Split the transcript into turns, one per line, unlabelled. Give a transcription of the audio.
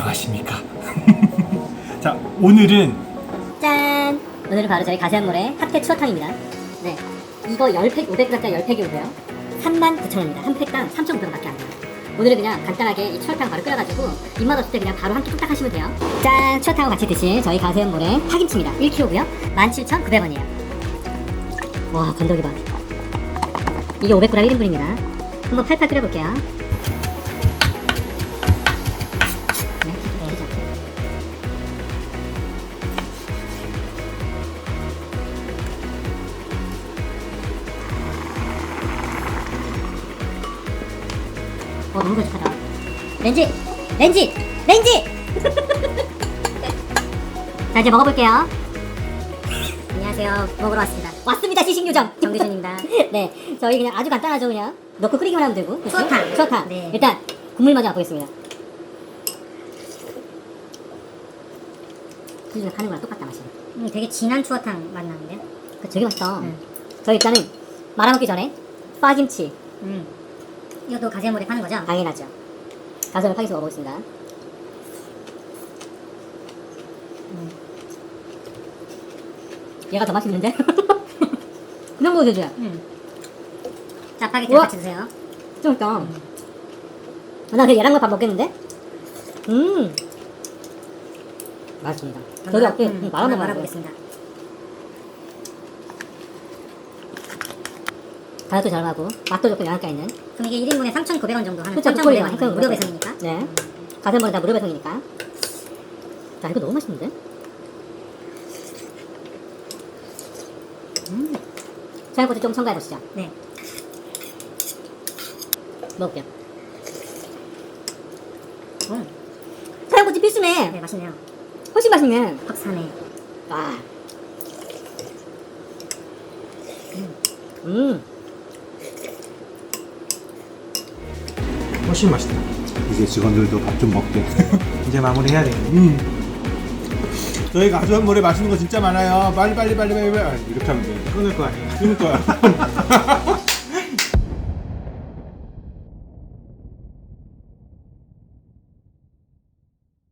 안녕하십니까. 자, 오늘은
짠! 오늘은 바로 저희 가세한몰의 핫팩 추어탕입니다. 네, 이거 10팩, 500g짜리 10팩이 오고요 39,000원입니다. 한 팩당 3,500원밖에 안 돼요. 오늘은 그냥 간단하게 이 추어탕 바로 끓여가지고 입맛 없을 때 그냥 바로 한 끼 뚝딱 하시면 돼요. 짠! 추어탕하고 같이 드실 저희 가세한몰의 파김치입니다. 1kg고요 17,900원이에요 와, 건더기 봐. 이게 500g 1인분입니다. 한번 팔팔 끓여볼게요. 네, 그렇죠. 너무 고집하다. 렌지! 렌지! 렌지! 자, 이제 먹어볼게요. 안녕하세요. 먹으러 왔습니다. 왔습니다, 시식요정! 정규준입니다. 네, 저희 그냥 아주 간단하죠, 그냥. 넣고 끓이기만 하면 되고. 추어탕! 추어탕! 네. 일단, 국물 먼저 맛보겠습니다. 수준에 파는 거랑 똑같다, 맛이.
되게 진한 추어탕 맛 나는데요?
그 되게 맛있다. 저희 일단은 말아먹기 전에 파김치.
이것도 가세몰에 파는 거죠?
당연하죠. 가슴을 파김치 먹어보겠습니다. 얘가 더 맛있는데? 그냥 먹어도 되죠?
짜파게티
우와!
같이 드세요.
좀 있다. 나 그냥 얘랑 밥 먹겠는데? 맛있습니다. 저도 앞에 말아먹어요.
말아보겠습니다.
가격도 저렴하고 맛도 좋고 영양가 있는.
그럼 이게 1인분에 3,900원 정도 하는
그쵸,
3,900원
그거예요.
무료 배송이니까.
네. 가슴벌은 다 무료 배송이니까. 자, 이거 너무 맛있는데? 청양고추 좀 첨가해보시죠.
네.
먹을게요. 청양고추 필수네.
네, 맛있네요.
훨씬 맛있네.
확산해.
와.
훨씬 맛있다. 이제 직원들도 밥 좀 먹게. 이제 마무리해야 되겠네. 저희 가수한몰에 맛있는 거 진짜 많아요. 빨리 이렇게 하면 돼. 끊을 거 아니야. 끊을 거야.